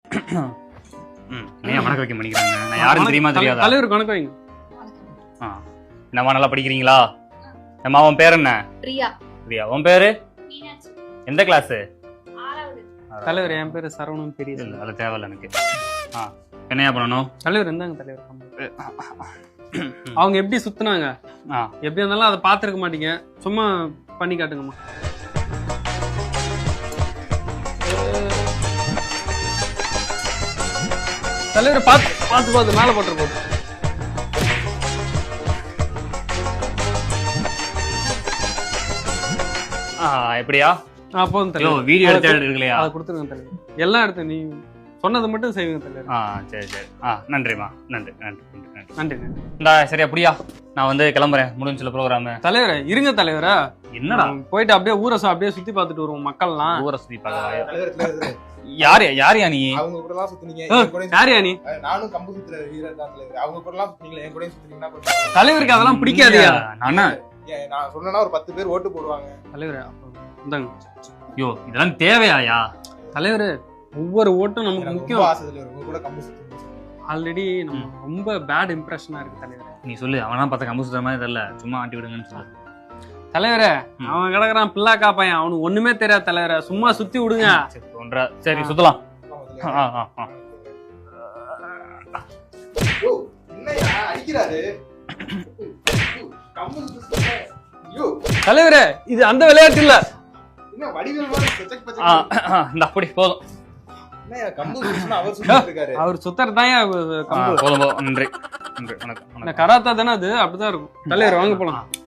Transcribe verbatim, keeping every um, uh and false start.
ஏன் வணக்கம் வைக்க மாட்டேங்கிறாங்க? நான் யாரும் தெரியுமா தெரியாதா? தலைவர் வணக்கம் வைங்க. ஆ என்னம்மா நல்லா படிக்கிறீங்களா? அம்மா உன் பேர் என்ன? பிரியா. பிரியா. உன் பேரு? மீனாட்சி. எந்த கிளாஸ்? ஆறாவது. தலைவர் என் பேரு சரவணன் பெரிய. இல்ல அது தேவையில்ல எனக்கு. ஆ என்னையா பண்ணணும்? தலைவர் இருந்தாங்க தலைவர். அவங்க எப்படி சுத்துனாங்க? ஆ எப்படி இருந்தாலும் அதை பார்த்துருக்க மாட்டீங்க. சும்மா பண்ணி காட்டுங்கம்மா. தலைவர் பார்த்து பார்த்து பார்த்து மேலே போட்டுரு போகுது. ஆ எப்படியா? ஆ போதும் ஐயோ தலைவர். வீடியோ எடுத்து எடுக்கலையா? அதை கொடுத்துருங்க தலைவர். எல்லாம் எடுத்து நீ சொன்னது மட்டும் செய்வீங்க தலைவர். ஆ சரி சரி. ஆ நன்றிம்மா. நன்றி நன்றி நன்றி நன்றி. நன்றி நன்றி. இந்தா சரி அப்படியா? நான் வந்து கிளம்புறேன். முடிஞ்சில ப்ரோக்ராமு. தலைவரே இருங்க தலைவரா. என்னடா போயிட்டு அப்படியே ஊரை சா- அப்படியே சுத்தி பார்த்துட்டு வருவோம் மக்கள்லாம். ஊரை சுத்தி பார்க்கவா? தலைவர், தலைவர், தலைவர். யாரு யாரியா நீ? அவங்க கூட எல்லாம் சுத்துனீங்க, ஓ, என் கூடயும் யாரியா நீ? சுத்து- நானும் கம்பு சுத்துற வீரர் தான் தலைவர். அவங்க கூட எல்லாம் சுத்துனீங்களா, என் கூடயும் சுத்துனீங்கன்னா கொஞ்சம் தலைவருக்கு அதெல்லாம் பிடிக்காதியா? நானா? ஏன் நான் சொன்னேன்னா ஒரு பத்து பேர் ஓட்டு போடுவாங்க. தலைவரே அப்போ இந்தாங்க. ஐயோ இதெல்லாம் தேவையாயா? தலைவரே ஒவ்வொரு ஓட்டும் நமக்கு எனக்கு ரொம்ப முக்கியம். ஆசை தலைவர், உங்க கூட கம்பு சுத்தணும். ஆல்ரெடி நம்ம ரொம்ப பேட் இம்ப்ரெஷனா இருக்கு தலைவரே. நீ சொல்லு. அவனா பார்த்தா கம்பு சுத்துற மாதிரி தெரியல. சும்மா ஆட்டி விடுங்கன்னு சொல்லு. தலைவரே ம். அவன் கிடக்குறான் பிள்ளாக்கா பையன். அவனுக்கு ஒண்ணுமே தெரியாது தலைவரே. சும்மா சுத்தி விடுங்க. சரி, ஒன்றா சரி சுத்தலாம். ஆ ஆ ஆ யோ, என்னய்யா அடிக்கிறாரு? கம்பு சுத்துறீங்க. யோ, தலைவரே இது அந்த விளையாட்டு இல்ல. என்ன வடிவேல் மாதிரி பச்சக் ஆ பச்சக். ஆ, இந்த அப்படி போதும். என்னய்யா கம்பு சுத்துனா அவர் சுத்திட்டு இருக்காரு. அவர் சுத்தறதான் ஆ, கம்பு. போதும் போதும். நன்றி நன்றி வணக்கம் இந்த வணக்கம். கராத்தா தானே அது அப்படிதான் இருக்கும். தலைவர் வாங்க போலாம்.